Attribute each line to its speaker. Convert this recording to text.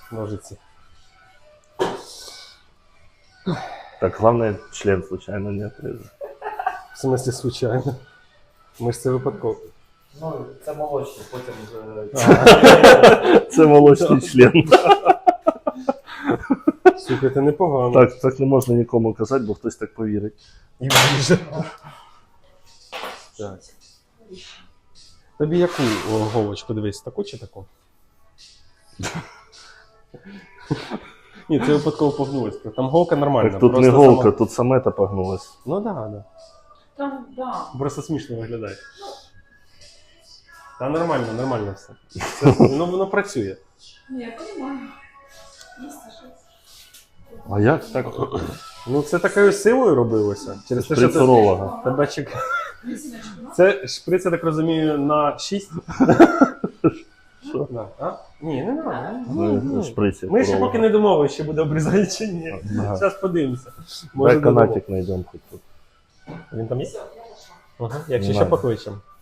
Speaker 1: ножиці.
Speaker 2: Так, главное, член случайно не отрезать.
Speaker 1: В смысле, случайно. Ми ж це випадково.
Speaker 3: Ну, це молочний, потім вже...
Speaker 2: Це молочний член.
Speaker 1: Слухайте, непогано.
Speaker 2: Так не можна нікому казати, бо хтось так повірить.
Speaker 1: І вріже. Так. Тобі яку голочку дивись, таку чи таку? Ні, це випадково погнулось. Там голка нормальна.
Speaker 2: Так тут не
Speaker 1: просто
Speaker 2: голка,
Speaker 1: сама...
Speaker 2: тут самета погнулась.
Speaker 1: Ну так, да,
Speaker 4: Там, да.
Speaker 1: Просто смішно виглядає. Та нормально все. Це, воно працює.
Speaker 4: Ну, я понимаю. Есть щось.
Speaker 2: А як так?
Speaker 1: Ну це такою силою робилося. Через те, що це
Speaker 2: Шприцеролога.
Speaker 1: тебе чекає.
Speaker 4: Лісіночку, да?
Speaker 1: Це шприц, я так розумію, на 6.
Speaker 2: Що?
Speaker 1: Да. А? Ні, не треба.
Speaker 2: Ну, шприці.
Speaker 1: Ми ще поки не домовилися, чи буде обрізати чи ні.
Speaker 2: Ага.
Speaker 1: Зараз подивимося.
Speaker 2: Дай канатик знайдемо хоч тут.
Speaker 1: Він там є?
Speaker 4: Все, я пошла.
Speaker 1: Ага. Якщо
Speaker 2: Не
Speaker 1: ще
Speaker 2: надо.
Speaker 1: покличемо.